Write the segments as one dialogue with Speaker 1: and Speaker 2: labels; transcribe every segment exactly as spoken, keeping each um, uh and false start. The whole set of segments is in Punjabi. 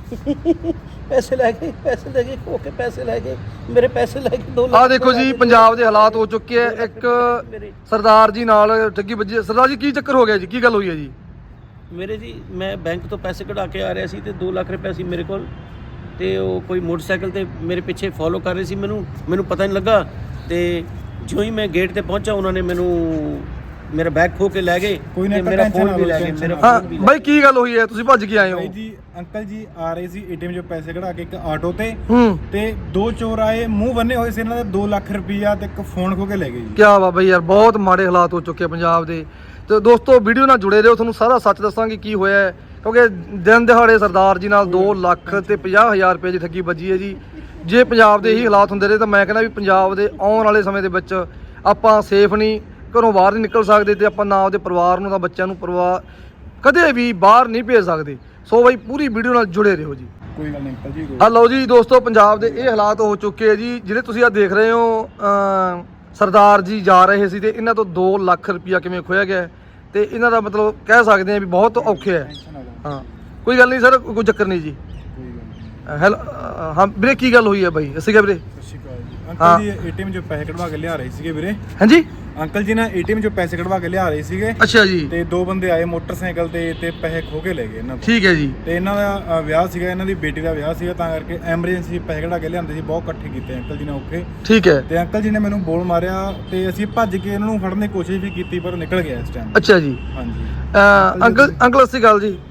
Speaker 1: ਪੈਸੇ ਲੈ ਕੇ ਪੈਸੇ ਲੈ ਕੇ ਖੋ ਕੇ ਪੈਸੇ ਲੈ ਕੇ ਮੇਰੇ ਪੈਸੇ ਲੈ ਕੇ ਦੋ
Speaker 2: ਆ ਦੇਖੋ ਜੀ ਪੰਜਾਬ ਦੇ ਹਾਲਾਤ ਹੋ ਚੁੱਕੇ ਆ। ਇੱਕ ਸਰਦਾਰ ਜੀ ਨਾਲ ਠੱਗੀ ਵੱਜੀ ਹੈ। ਸਰਦਾਰ ਜੀ ਕੀ ਚੱਕਰ ਹੋ ਗਿਆ ਜੀ, ਕੀ ਗੱਲ ਹੋਈ ਹੈ ਜੀ?
Speaker 1: ਮੇਰੇ ਜੀ ਮੈਂ ਬੈਂਕ ਤੋਂ ਪੈਸੇ ਕਢਾ ਕੇ ਆ ਰਿਹਾ ਸੀ ਤੇ ਦੋ ਲੱਖ ਰੁਪਏ ਸੀ ਮੇਰੇ ਕੋਲ ਤੇ ਉਹ ਕੋਈ ਮੋਟਰਸਾਈਕਲ ਤੇ ਮੇਰੇ ਪਿੱਛੇ ਫੋਲੋ ਕਰ ਰਹੇ ਸੀ ਮੈਨੂੰ ਮੈਨੂੰ ਪਤਾ ਨਹੀਂ ਲੱਗਾ ਤੇ ਜਿਉਂ ਹੀ ਮੈਂ ਗੇਟ ਤੇ ਪਹੁੰਚਾ ਉਹਨਾਂ ਨੇ ਮੈਨੂੰ ਮੇਰਾ ਬੈਗ ਖੋ ਕੇ ਲੈ ਗਏ ਤੇ ਮੇਰਾ ਫੋਨ ਵੀ ਲੈ ਗਏ ਮੇਰਾ
Speaker 2: ਹਾਂ
Speaker 1: ਫੋਨ ਵੀ
Speaker 2: ਬਾਈ ਕੀ ਗੱਲ ਹੋਈ ਹੈ, ਤੁਸੀਂ ਭੱਜ ਕੇ ਆਏ ਹੋ?
Speaker 3: ਭਾਈ ਜੀ ਅੰਕਲ ਜੀ ਆ ਰਹੇ ਸੀ ਏਟੀਐਮ ਚੋਂ ਪੈਸੇ ਕਢਾ ਕੇ ਇੱਕ ਆਟੋ ਤੇ
Speaker 2: ਹੂੰ
Speaker 3: ਤੇ ਦੋ ਚੋਰ ਆਏ, ਮੂੰਹ ਬੰਨੇ ਹੋਏ ਸੀ ਇਹਨਾਂ ਦਾ, ਦੋ ਲੱਖ ਰੁਪਈਆ ਤੇ ਇੱਕ ਫੋਨ ਖੋ ਕੇ ਲੈ ਗਏ ਜੀ।
Speaker 2: ਕੀ ਵਾ ਬਈ ਯਾਰ, ਬਹੁਤ ਮਾੜੇ ਹਾਲਾਤ ਹੋ ਚੁੱਕੇ ਪੰਜਾਬ ਦੇ। ਤੇ ਦੋਸਤੋ ਵੀਡੀਓ ਨਾਲ ਜੁੜੇ ਰਹੋ, ਤੁਹਾਨੂੰ ਸਾਰਾ ਸੱਚ ਦੱਸਾਂਗੇ ਕੀ ਹੋਇਆ ਹੈ। ਕਿਉਂਕਿ ਦਿਨ ਦਿਹਾੜੇ ਸਰਦਾਰ ਜੀ ਨਾਲ ਦੋ ਲੱਖ ਤੇ ਪੰਜਾਹ ਹਜ਼ਾਰ ਰੁਪਏ ਦੀ ਠੱਗੀ ਵੱਜੀ ਹੈ ਜੀ। ਜੇ ਪੰਜਾਬ ਦੇ ਇਹੀ ਹਾਲਾਤ ਹੁੰਦੇ ਰਹੇ ਤਾਂ ਮੈਂ ਕਹਿੰਦਾ ਵੀ ਪੰਜਾਬ ਦੇ ਆਉਣ ਵਾਲੇ ਸਮੇਂ ਦੇ ਵਿੱਚ ਆਪਾਂ ਸੇਫ ਨਹੀਂ, ਘਰੋਂ ਬਾਹਰ ਨਹੀਂ ਨਿਕਲ ਸਕਦੇ ਤੇ ਆਪਾਂ ਨਾ ਉਹਦੇ ਪਰਿਵਾਰ ਨੂੰ ਤਾਂ ਬੱਚਿਆਂ ਨੂੰ ਪਰਿਵਾਰ ਕਦੇ ਵੀ ਬਾਹਰ ਨਹੀਂ ਭੇਜ ਸਕਦੇ। ਸੋ ਬਈ ਪੂਰੀ ਵੀਡੀਓ ਨਾਲ ਜੁੜੇ ਰਹੋ ਜੀ।
Speaker 3: ਕੋਈ ਗੱਲ ਨਹੀਂ ਅੰਕਲ ਜੀ।
Speaker 2: ਆ ਲਓ ਜੀ ਦੋਸਤੋ, ਪੰਜਾਬ ਦੇ ਇਹ ਹਾਲਾਤ ਹੋ ਚੁੱਕੇ ਆ ਜੀ। ਜਿਹੜੇ ਤੁਸੀਂ ਆ ਦੇਖ ਰਹੇ ਹੋ, ਅਮ ਸਰਦਾਰ ਜੀ ਜਾ ਰਹੇ ਸੀ ਤੇ ਇਹਨਾਂ ਤੋਂ ਦੋ ਲੱਖ ਰੁਪਇਆ ਕਿਵੇਂ ਖੋਇਆ ਗਿਆ ਤੇ ਇਹਨਾਂ ਦਾ ਮਤਲਬ ਕਹਿ ਸਕਦੇ ਆ ਵੀ ਬਹੁਤ ਔਖੇ ਹੈ। ਹਾਂ ਕੋਈ ਗੱਲ ਨਹੀਂ ਸਰ, ਕੋਈ ਚੱਕਰ ਨਹੀਂ ਜੀ। ਹੈਲੋ ਹਾਂ ਵੀਰੇ, ਕੀ ਗੱਲ ਹੋਈ ਹੈ ਬਾਈ? ਅਸੀਂ ਕਿਹਾ ਵੀਰੇ
Speaker 3: ਸਤਿ ਸ਼੍ਰੀ ਅਕਾਲ ਜੀ। ਅੰਕਲ ਜੀ ਏਟੀਐਮ ਚੋਂ ਪੈਸੇ ਕਢਵਾ ਕੇ ਲਿਆ ਰਹੇ ਸੀਗੇ ਵੀਰੇ।
Speaker 2: ਹਾਂਜੀ
Speaker 3: ਅੰਕਲ ਜੀ ਨਾ ਏਟੀਐਮ ਚੋਂ ਪੈਸੇ ਕਢਵਾ ਕੇ ਲਿਆ ਰਹੇ ਸੀਗੇ
Speaker 2: ਅੱਛਾ ਜੀ।
Speaker 3: ਤੇ ਦੋ ਬੰਦੇ ਆਏ ਮੋਟਰਸਾਈਕਲ ਤੇ ਤੇ ਪੈਸੇ ਖੋ ਕੇ ਲੈ ਗਏ ਇਹਨਾਂ ਤੋਂ।
Speaker 2: ਠੀਕ ਹੈ ਜੀ।
Speaker 3: ਤੇ ਇਹਨਾਂ ਦਾ ਅ, ਵਿਆਹ ਸੀਗਾ, ਇਹਨਾਂ ਦੀ ਬੇਟੀ ਦਾ ਵਿਆਹ ਸੀਗਾ, ਤਾਂ ਕਰਕੇ ਐਮਰਜੈਂਸੀ ਪੈਸੇ ਕਢਾ ਕੇ ਲਿਆਂਦੇ ਸੀ, ਬਹੁਤ ਇਕੱਠੇ ਕੀਤੇ ਅੰਕਲ ਜੀ ਨੇ ਔਖੇ।
Speaker 2: ਠੀਕ ਹੈ।
Speaker 3: ਤੇ ਅੰਕਲ ਜੀ ਨੇ ਮੈਨੂੰ ਬੋਲ ਮਾਰਿਆ ਤੇ ਅਸੀਂ ਭੱਜ ਕੇ ਇਹਨਾਂ ਨੂੰ ਫੜਨ ਦੀ ਕੋਸ਼ਿਸ਼ ਵੀ ਕੀਤੀ ਪਰ ਨਿਕਲ ਗਿਆ ਇਸ ਟਾਈਮ।
Speaker 2: ਅੱਛਾ ਜੀ।
Speaker 3: ਹਾਂਜੀ
Speaker 2: ਅਹ ਅੰਕਲ ਅੰਕਲ ਸਤਿ ਸ਼੍ਰੀ ਅਕਾਲ ਜੀ।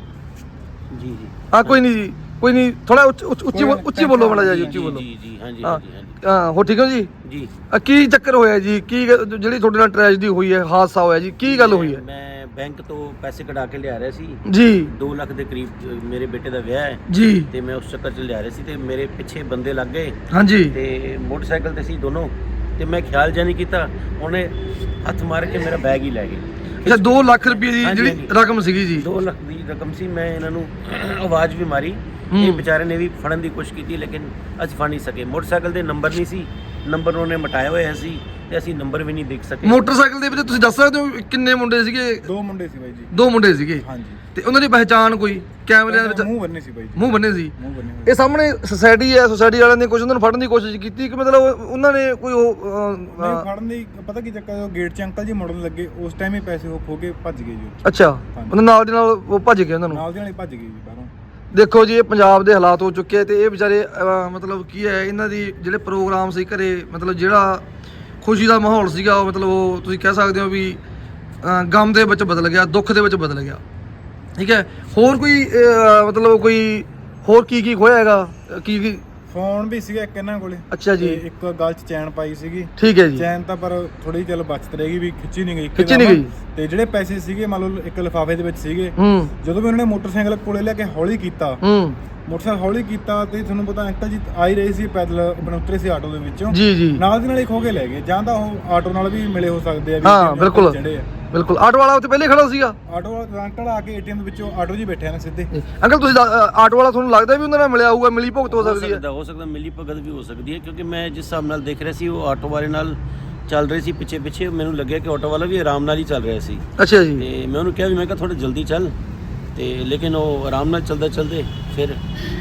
Speaker 1: ਜੀ ਜੀ
Speaker 2: ਹਾਂ ਕੋਈ ਨਹੀਂ ਜੀ, ਕੋਈ ਨਹੀਂ, ਥੋੜਾ ਉੱਚੀ ਉੱਚੀ ਬੋਲੋ ਮਾੜਾ ਜੀ, ਉੱਚੀ ਬੋਲੋ।
Speaker 1: ਜੀ ਜੀ ਹਾਂਜੀ
Speaker 2: ਹਾਂ
Speaker 1: ਹਾਂਜੀ ਹਾਂਜੀ
Speaker 2: ਹਾਂ ਹੋ ਠੀਕ ਹੋ ਜੀ?
Speaker 1: ਜੀ
Speaker 2: ਅਹ ਕੀ ਚੱਕਰ ਹੋਇਆ ਜੀ? ਕੀ ਗ- ਜਿਹੜੀ ਤੁਹਾਡੇ ਨਾਲ ਟ੍ਰੈਜਡੀ ਹੋਈ ਹੈ, ਹਾਦਸਾ ਹੋਇਆ ਜੀ, ਕੀ ਗੱਲ ਹੋਈ ਹੈ
Speaker 1: ਮੈਂ ਬੈਂਕ ਤੋਂ ਪੈਸੇ ਕਢਾ ਕੇ ਲਿਆ ਰਿਹਾ ਸੀ
Speaker 2: ਜੀ?
Speaker 1: ਦੋ ਲੱਖ ਦੇ ਕਰੀਬ ਅ, ਮੇਰੇ ਬੇਟੇ ਦਾ ਵਿਆਹ ਹੈ
Speaker 2: ਜੀ
Speaker 1: ਤੇ ਮੈਂ ਉਸ ਚੱਕਰ 'ਚ ਲਿਆ ਰਿਹਾ ਸੀ ਤੇ ਮੇਰੇ ਪਿੱਛੇ ਬੰਦੇ ਲੱਗ ਗਏ
Speaker 2: ਹਾਂਜੀ
Speaker 1: ਤੇ ਮੋਟਰਸਾਈਕਲ ਤੇ ਸੀ ਦੋਨੋਂ ਤੇ ਮੈਂ ਖਿਆਲ ਜਿਹਾ ਨਹੀਂ ਕੀਤਾ, ਉਹਨੇ ਹੱਥ ਮਾਰ ਕੇ ਮੇਰਾ ਬੈਗ ਹੀ ਲੈ ਗਏ।
Speaker 2: ਅੱਛਾ ਦੋ ਲੱਖ ਰੁਪਏ ਦੀ
Speaker 1: ਹਾਂਜੀ,
Speaker 2: ਜਿਹੜੀ
Speaker 1: ਹਾਂਜੀ।
Speaker 2: ਰਕਮ ਸੀਗੀ ਜੀ?
Speaker 1: ਦੋ ਲੱਖ ਦੀ ਰਕਮ ਸੀ। ਮੈਂ ਇਹਨਾਂ ਨੂੰ ਆਵਾਜ਼ ਵੀ ਮਾਰੀ,
Speaker 2: ਹੂੰ।
Speaker 1: ਇਹ ਵਿਚਾਰੇ ਨੇ ਵੀ ਫੜਨ ਦੀ ਕੋਸ਼ਿਸ਼ ਕੀਤੀ ਲੇਕਿਨ ਅਸੀਂ ਫੜ ਨਹੀਂ ਸਕੇ। ਮੋਟਰਸਾਈਕਲ ਦੇ ਨੰਬਰ ਨਹੀਂ ਸੀ, ਨੰਬਰ ਉਹਨੇ ਮਟਾਇਆ ਹੋਇਆ ਸੀ ਤੇ ਅਸੀਂ ਨੰਬਰ ਵੀ ਨਹੀਂ ਦੇਖ ਸਕੇ।
Speaker 2: ਮੋਟਰਸਾਈਕਲ ਦੇ ਵਿੱਚ ਤੁਸੀਂ ਦੱਸ ਸਕਦੇ ਹੋ ਕਿੰਨੇ ਮੁੰਡੇ ਸੀਗੇ?
Speaker 3: ਦੋ ਮੁੰਡੇ ਸੀ ਬਾਈ ਜੀ।
Speaker 2: ਦੋ ਮੁੰਡੇ ਸੀਗੇ
Speaker 3: ਹਾਂਜੀ
Speaker 2: ਤੇ ਉਹਨਾਂ ਦੀ ਪਹਿਚਾਣ ਕੋਈ ਕੈਮਰਿਆਂ ਦੇ ਵਿੱਚ?
Speaker 3: ਮੂੰਹ ਬੰਨੇ ਸੀ ਬਾਈ ਜੀ।
Speaker 2: ਮੂੰਹ ਬੰਨੇ ਸੀ।
Speaker 3: ਮੂੰਹ ਬੰਨੇ ਹੋਏ।
Speaker 2: ਇਹ ਸਾਹਮਣੇ ਸੁਸਾਇਟੀ ਹੈ, ਸੁਸਾਇਟੀ ਵਾਲਿਆਂ ਨੇ ਕੁਝ ਉਹਨਾਂ ਨੂੰ ਫੜਨ ਦੀ ਕੋਸ਼ਿਸ਼ ਕੀਤੀ ਕਿ ਮਤਲਬ ਉਹਨਾਂ ਨੇ ਕੋਈ ਉਹ ਅਹ,
Speaker 3: ਨਹੀਂ
Speaker 2: ਅਹ,
Speaker 3: ਫੜਨ ਦੀ ਪਤਾ ਕੀ ਚੱਕਰ, ਉਹ ਗੇਟ 'ਚ ਅੰਕਲ ਜੀ ਮੁੜਨ ਲੱਗੇ, ਉਸ ਟਾਈਮ ਹੀ ਪੈਸੇ ਉਹ ਖੋ ਕੇ ਭੱਜ ਗਏ ਜੀ।
Speaker 2: ਅੱਛਾ ਉਹਨਾਂ ਨਾਲ ਦੇ ਨਾਲ ਉਹ ਭੱਜ ਗਏ ਉਹਨਾਂ ਨੂੰ?
Speaker 3: ਨਾਲ ਦੇ ਨਾਲ ਹੀ ਭੱਜ ਗਏ ਜੀ ਬਾਹਰੋਂ।
Speaker 2: ਦੇਖੋ ਜੀ ਇਹ ਪੰਜਾਬ ਦੇ ਹਾਲਾਤ ਹੋ ਚੁੱਕੇ ਆ ਤੇ ਇਹ ਵਿਚਾਰੇ ਅਹ, ਮਤਲਬ ਕੀ ਹੈ, ਇਹਨਾਂ ਦੀ ਜਿਹੜੇ ਪ੍ਰੋਗਰਾਮ ਸੀ ਘਰੇ, ਮਤਲਬ ਜਿਹੜਾ ਖੁਸ਼ੀ ਦਾ ਮਾਹੌਲ ਸੀਗਾ ਉਹ ਮਤਲਬ ਉਹ ਤੁਸੀਂ ਕਹਿ ਸਕਦੇ ਹੋ ਵੀ ਅਹ, ਗਮ ਦੇ ਵਿੱਚ ਬਦਲ ਗਿਆ, ਦੁੱਖ ਦੇ ਵਿੱਚ ਬਦਲ ਗਿਆ। ਠੀਕ ਹੈ। ਹੋਰ ਕੋਈ ਅਹ, ਮਤਲਬ ਕੋਈ ਹੋਰ ਕੀ ਕੀ ਖੋਇਆ ਹੈਗਾ? ਕੀ ਕੀ?
Speaker 3: ਫੋਨ ਵੀ ਸੀਗਾ ਇੱਕ ਇਹਨਾਂ ਕੋਲੇ।
Speaker 2: ਅੱਛਾ ਜੀ।
Speaker 3: ਤੇ ਇੱਕ ਗਲ 'ਚ ਚੈਨ ਪਾਈ ਸੀਗੀ।
Speaker 2: ਠੀਕ ਹੈ ਜੀ।
Speaker 3: ਚੈਨ ਤਾਂ ਪਰ ਥੋੜੀ ਚੱਲ ਬਚਤ ਰਹੇਗੀ ਵੀ ਖਿੱਚੀ ਨਹੀਂ ਗਈ।
Speaker 2: ਖਿੱਚੀ ਨਹੀਂ ਗਈ।
Speaker 3: ਤੇ ਜਿਹੜੇ ਪੈਸੇ ਸੀਗੇ ਮੰਨ ਲਓ ਇੱਕ ਲਿਫਾਫੇ ਦੇ ਵਿੱਚ ਸੀਗੇ।
Speaker 2: ਹੂੰ
Speaker 3: ਜਦੋਂ ਵੀ ਉਹਨਾਂ ਨੇ ਮੋਟਰਸਾਈਕਲ ਕੋਲੇ ਲੈ ਕੇ ਹੌਲੀ ਕੀਤਾ,
Speaker 2: ਹੂੰ
Speaker 3: ਮੋਟਰਸਾਈਕਲ ਹੌਲੀ ਕੀਤਾ ਤੇ ਤੁਹਾਨੂੰ ਪਤਾ ਅੰਕਲ ਜੀ ਆ ਹੀ ਰਹੇ ਸੀ ਪੈਦਲ, ਆਪਣੇ ਉਤਰੇ ਸੀ ਆਟੋ ਦੇ ਵਿੱਚੋਂ,
Speaker 2: ਜੀ ਜੀ
Speaker 3: ਨਾਲ ਦੀ ਨਾਲ ਹੀ ਖੋ ਕੇ ਲੈ ਗਏ। ਜਾਂ ਤਾਂ ਉਹ ਆਟੋ ਨਾਲ ਵੀ ਮਿਲੇ ਹੋ ਸਕਦੇ ਆ ਵੀ
Speaker 2: ਹਾਂ,
Speaker 3: ਕਿੰਨੇ
Speaker 2: ਬਿਲਕੁਲ।
Speaker 3: ਚੜ੍ਹੇ ਆ।
Speaker 2: ਬਿਲਕੁਲ। ਆਟੋ ਵਾਲਾ ਉੱਥੇ ਪਹਿਲੇ ਖੜਾ ਸੀਗਾ?
Speaker 3: ਆਟੋ ਵਾਲਾ ਅੰਕਲ ਆ ਕੇ ਏਟੀਐਮ ਦੇ ਵਿੱਚੋਂ ਆਟੋ ਜੀ ਬੈਠਿਆ ਨਾ ਸਿੱਧੇ।
Speaker 2: ਅੰਕਲ ਤੁਸੀਂ ਦ- ਅ, ਆਟੋ ਵਾਲਾ ਤੁਹਾਨੂੰ ਲੱਗਦਾ ਵੀ ਉਹਨਾਂ ਨਾਲ ਮਿਲਿਆ ਹੋਊਗਾ, ਮਿਲੀ ਭੁਗਤ ਹੋ
Speaker 1: ਹੋ
Speaker 2: ਸਕਦੀ ਹੈ?
Speaker 1: ਸਕਦਾ ਹੋ ਸਕਦਾ ਮਿਲੀ ਭਗਤ ਵੀ ਹੋ ਸਕਦੀ ਹੈ ਕਿਉਂਕਿ ਮੈਂ ਜਿਸ ਹਿਸਾਬ ਨਾਲ ਦੇਖ ਰਿਹਾ ਸੀ ਉਹ ਆਟੋ ਵਾਲੇ ਨਾਲ ਚੱਲ ਰਹੀ ਸੀ ਪਿੱਛੇ ਪਿੱਛੇ। ਮੈਨੂੰ ਲੱਗਿਆ ਕਿ ਆਟੋ ਵਾਲਾ ਵੀ ਆਰਾਮ ਨਾਲ ਹੀ ਚੱਲ ਰਿਹਾ ਸੀ
Speaker 2: ਅੱਛਾ ਜੀ।
Speaker 1: ਤੇ ਮੈਂ ਉਹਨੂੰ ਕਿਹਾ ਵੀ ਮੈਂ ਕਿਹਾ ਥੋੜਾ ਜਲਦੀ ਚੱਲ ਤੇ ਲੇਕਿਨ ਉਹ ਆਰਾਮ ਨਾਲ ਚੱਲਦਾ ਚੱਲਦੇ ਫਿਰ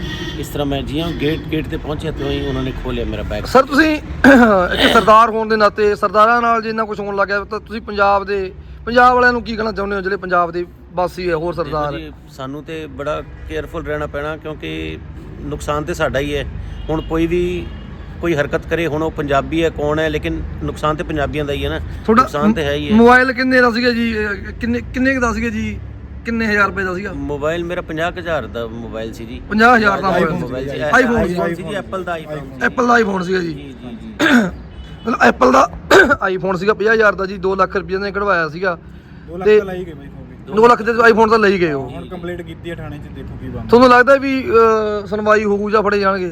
Speaker 1: ਇਸ ਤਰ੍ਹਾਂ ਮੈਂ ਜਿਉਂ ਗੇਟ ਗੇਟ ਤੇ ਪਹੁੰਚਿਆ ਤੇ ਹੀ ਉਹਨਾਂ ਨੇ ਖੋਲਿਆ ਮੇਰਾ ਬੈਗ।
Speaker 2: ਸਰ ਤੁਸੀਂ ਇੱਕ ਸਰਦਾਰ ਹੋਣ ਦੇ ਨਾਤੇ ਸਰਦਾਰਾਂ ਨਾਲ ਜੇ ਇੰਨਾ ਕੁਝ ਹੋਣ ਲੱਗ ਗਿਆ ਤਾਂ ਤੁਸੀਂ ਪੰਜਾਬ ਦੇ ਪੰਜਾਬ ਵਾਲਿਆਂ ਨੂੰ ਕੀ ਕਹਿਣਾ ਚਾਹੁੰਦੇ ਹੋ ਜਿਹੜੇ ਪੰਜਾਬ ਦੇ ਵਾਸੀ ਹੈ, ਹੋਰ ਸਰਦਾਰ ਹੈ?
Speaker 1: ਜੀ, ਸਾਨੂੰ ਤੇ ਬੜਾ ਕੇਅਰਫੁਲ ਰਹਿਣਾ ਪੈਣਾ ਕਿਉਂਕਿ ਨੁਕਸਾਨ ਤੇ ਸਾਡਾ ਹੀ ਹੈ। ਹੁਣ ਕੋਈ ਵੀ ਕੋਈ ਹਰਕਤ ਕਰੇ, ਹੁਣ ਉਹ ਪੰਜਾਬੀ ਹੈ ਕੌਣ ਹੈ, ਲੇਕਿਨ ਨੁਕਸਾਨ ਤੇ ਪੰਜਾਬੀਆਂ ਦਾ ਹੀ ਹੈ ਨਾ। ਨੁਕਸਾਨ ਤੇ ਹੈ ਹੀ ਹੈ।
Speaker 2: ਮੋਬਾਈਲ ਕਿੰਨੇ ਦਾ ਸੀਗਾ ਜੀ? ਅ, ਕਿੰਨੇ ਕਿੰਨੇ ਕੁ ਦਾ ਸੀਗਾ ਜੀ? ਕਿੰਨੇ ਹਜ਼ਾਰ ਰੁਪਏ ਦਾ ਸੀਗਾ
Speaker 1: ਮੋਬਾਈਲ ਮੇਰਾ ਪੰਜਾਹ ਕੁ ਹਜ਼ਾਰ ਦਾ ਮੋਬਾਈਲ ਸੀ ਜੀ।
Speaker 2: ਪੰਜਾਹ ਹਜ਼ਾਰ ਦਾ
Speaker 1: ਮੋਬਾਈਲ ਸੀ।
Speaker 2: ਆਈਫੋਨ
Speaker 1: ਆਈਫੋਨ ਸੀ ਜੀ, ਐਪਲ ਦਾ ਆਈਫੋਨ ਸੀ।
Speaker 2: ਐਪਲ ਦਾ ਆਈਫੋਨ ਸੀਗਾ ਜੀ।
Speaker 1: ਜੀ ਜੀ ਜੀ
Speaker 2: ਮਤਲਬ ਐਪਲ ਦਾ ਆਈਫੋਨ ਸੀਗਾ ਪੰਜਾਹ ਹਜ਼ਾਰ ਦਾ ਜੀ। ਦੋ ਲੱਖ ਰੁਪਏ ਨੇ ਕਢਵਾਇਆ ਸੀਗਾ
Speaker 3: ਦੋ ਲੱਖ
Speaker 2: ਤੇ
Speaker 3: ਤਾਂ ਲਾਈ ਗਏ ਬਾਈ ਖੋ ਕੇ।
Speaker 2: ਦੋ ਲੱਖ ਦੇ ਆਈਫੋਨ ਤਾਂ ਲਈ ਗਏ ਉਹ।
Speaker 3: ਹੁਣ ਕੰਪਲੀਟ ਕੀਤੀ ਹੈ ਥਾਣੇ 'ਚ, ਦੇਖੋ ਕੀ ਬਣਦਾ।
Speaker 2: ਤੁਹਾਨੂੰ ਲੱਗਦਾ ਵੀ ਅ, ਸੁਣਵਾਈ ਹੋਊ ਜਾਂ ਫੜੇ ਜਾਣਗੇ?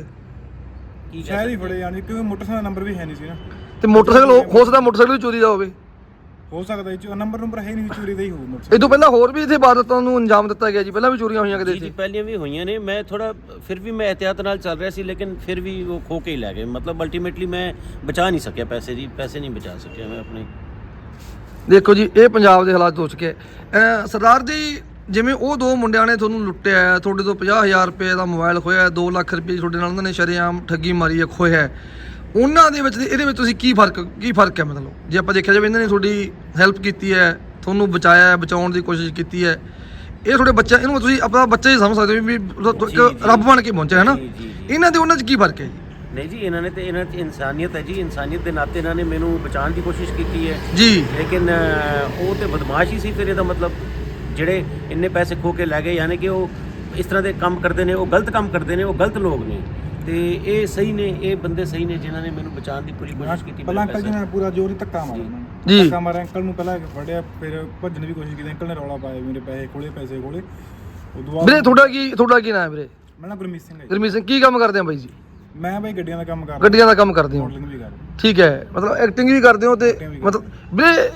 Speaker 1: ਕੀ ਕਹਿ
Speaker 3: ਸ਼ਾਇਦ ਹੀ ਫੜੇ ਜਾਣਗੇ ਕਿਉਂਕਿ ਮੋਟਰਸਾਈਕਲ ਦਾ ਨੰਬਰ ਵੀ ਹੈ ਨਹੀਂ ਸੀ ਨਾ।
Speaker 2: ਤੇ ਮੋਟਰਸਾਈਕਲ ਹੋ- ਹੋ ਸਕਦਾ ਮੋਟਰਸਾਈਕਲ ਵੀ ਚੋਰੀ ਦਾ ਹੋਵੇ।
Speaker 3: ਹੋ ਸਕਦਾ ਇਹ 'ਚ ਨੰਬਰ ਨੰਬਰ ਹੈ ਨਹੀਂ, ਚੋਰੀ ਦਾ ਹੀ ਹੋਊ
Speaker 2: ਇਹ
Speaker 3: ਮੋਟਰਸਾਈਕਲ।
Speaker 2: ਤੋਂ ਪਹਿਲਾਂ ਹੋਰ ਵੀ ਇੱਥੇ ਇਬਾਦਤਾਂ ਨੂੰ ਅੰਜਾਮ ਦਿੱਤਾ ਗਿਆ ਜੀ, ਪਹਿਲਾਂ ਵੀ ਚੋਰੀਆਂ ਹੋਈਆਂ ਕਿਤੇ
Speaker 1: ਜੀ ਜੀ
Speaker 2: ਇੱਥੇ?
Speaker 1: ਪਹਿਲੀਆਂ ਵੀ ਹੋਈਆਂ ਨੇ। ਮੈਂ ਥੋੜਾ ਫਿਰ ਵੀ ਮੈਂ ਇਹਤਿਆਤ ਨਾਲ ਚੱਲ ਰਿਹਾ ਸੀ ਲੇਕਿਨ ਫਿਰ ਵੀ ਉਹ ਖੋ ਕੇ ਹੀ ਲੈ ਗਏ। ਮਤਲਬ ਅਲਟੀਮੇਟਲੀ ਮੈਂ ਬਚਾ ਨਹੀਂ ਸਕਿਆ ਪੈਸੇ ਜੀ, ਪੈਸੇ ਨਹੀਂ ਬਚਾ ਸਕਿਆ ਮੈਂ ਆਪਣੇ।
Speaker 2: ਦੇਖੋ ਜੀ ਇਹ ਪੰਜਾਬ ਦੇ ਹਾਲਾਤ ਹੋ ਚੁੱਕੇ ਅ, ਸਰਦਾਰ ਜੀ ਜਿਵੇਂ ਉਹ ਦੋ ਮੁੰਡਿਆਂ ਨੇ ਤੁਹਾਨੂੰ ਲੁੱਟਿਆ ਹੈ, ਤੁਹਾਡੇ ਤੋਂ ਪੰਜਾਹ ਹਜ਼ਾਰ ਰੁਪਏ ਦਾ ਮੋਬਾਈਲ ਖੋਇਆ, ਦੋ ਲੱਖ ਰੁਪਏ ਤੁਹਾਡੇ ਨਾਲ ਉਹਨਾਂ ਨੇ ਸ਼ਰੇਆਮ ਠੱਗੀ ਮਾਰੀ ਹੈ, ਖੋਇਆ ਹੈ, ਉਹਨਾਂ ਦੇ ਵਿੱਚ ਤੇ ਇਹਦੇ ਵਿੱਚ ਤੁਸੀਂ ਕੀ ਫਰਕ ਕੀ ਫਰਕ ਹੈ? ਮਤਲਬ ਜੇ ਆਪਾਂ ਦੇਖਿਆ ਜਾਵੇ ਇਹਨਾਂ ਨੇ ਤੁਹਾਡੀ ਹੈਲਪ ਕੀਤੀ ਹੈ, ਤੁਹਾਨੂੰ ਬਚਾਇਆ ਹੈ, ਬਚਾਉਣ ਦੀ ਕੋਸ਼ਿਸ਼ ਕੀਤੀ ਹੈ, ਇਹ ਤੁਹਾਡੇ ਬੱਚਾ, ਇਹਨੂੰ ਤੁਸੀਂ ਆਪਣਾ ਬੱਚਾ ਹੀ ਸਮਝ ਸਕਦੇ ਹੋ ਵੀ ਇੱਕ ਰੱਬ ਬਣ ਕੇ ਪਹੁੰਚਿਆ ਹੈ ਨਾ, ਇਹਨਾਂ ਦੇ ਉਹਨਾਂ 'ਚ ਕੀ ਫਰਕ ਹੈ ਜੀ?
Speaker 1: ਨਹੀਂ ਜੀ, ਇਹਨਾਂ ਨੇ ਤੇ ਇਹਨਾਂ 'ਚ ਇਨਸਾਨੀਅਤ ਹੈ ਜੀ, ਇਨਸਾਨੀਅਤ ਦੇ ਨਾਤੇ ਇਹਨਾਂ ਨੇ ਮੈਨੂੰ ਬਚਾਉਣ ਦੀ ਕੋਸ਼ਿਸ਼ ਕੀਤੀ ਹੈ
Speaker 2: ਜੀ।
Speaker 1: ਲੇਕਿਨ ਅਹ, ਉਹ ਤੇ ਬਦਮਾਸ਼ ਹੀ ਸੀ। ਫਿਰ ਇਹਦਾ ਮਤਲਬ ਜਿਹੜੇ ਇੰਨੇ ਪੈਸੇ ਖੋ ਕੇ ਲੈ ਗਏ, ਯਾਨੀ ਕਿ ਉਹ ਇਸ ਤਰ੍ਹਾਂ ਦੇ ਕੰਮ ਕਰਦੇ ਨੇ, ਉਹ ਗਲਤ ਕੰਮ ਕਰਦੇ ਨੇ, ਉਹ ਗਲਤ ਲੋਕ ਨੇ, ਤੇ ਇਹ ਸਹੀ ਨੇ, ਇਹ ਬੰਦੇ ਸਹੀ ਨੇ ਜਿਨ੍ਹਾਂ ਨੇ ਮੈਨੂੰ ਬਚਾਉਣ ਦੀ ਪੂਰੀ ਕੋਸ਼ਿਸ਼ ਕੀਤੀ।
Speaker 3: ਪਹਿਲਾਂ ਅੰਕਲ ਜੀ ਨੇ ਪੂਰਾ ਜ਼ੋਰ ਹੀ ਧੱਕਾ ਮਾਰਿਆ ਉਹਨਾਂ ਨੂੰ,
Speaker 2: ਜੀ।
Speaker 3: ਧੱਕਾ ਮਾਰਿਆ ਅੰਕਲ ਨੂੰ, ਪਹਿਲਾਂ ਫੜਿਆ, ਫਿਰ ਭੱਜਣ ਦੀ ਵੀ ਕੋਸ਼ਿਸ਼ ਕੀਤੀ। ਅੰਕਲ ਨੇ ਰੌਲਾ ਪਾਇਆ ਮੇਰੇ ਪੈਸੇ ਕੋਲੇ ਪੈਸੇ ਕੋਲੇ। ਉਦੋਂ ਬਾਅਦ
Speaker 2: ਵੀਰੇ ਤੁਹਾਡਾ ਕੀ ਤੁਹਾਡਾ ਕੀ ਨਾਮ ਹੈ ਵੀਰੇ?
Speaker 3: ਮੈਂ ਨਾ ਗੁਰਮੀਤ ਸਿੰਘ ਹੈ ਜੀ।
Speaker 2: ਗੁਰਮੀਤ ਸਿੰਘ, ਕੀ ਕੰਮ ਕਰਦੇ ਆ ਬਾਈ ਜੀ?
Speaker 3: ਮੈਂ ਬਾਈ ਗੱਡੀਆਂ ਦਾ ਕੰਮ ਕਰਦਾ,
Speaker 2: ਗੱਡੀਆਂ ਦਾ ਕੰਮ ਕਰਦੇ ਹੋ,
Speaker 3: ਮਾਡਲਿੰਗ ਵੀ ਕਰਦਾ।
Speaker 2: ਠੀਕ ਹੈ, ਮਤਲਬ ਐਕਟਿੰਗ ਵੀ ਕਰਦੇ ਹੋ, ਤੇ ਮਤਲਬ ਵੀਰੇ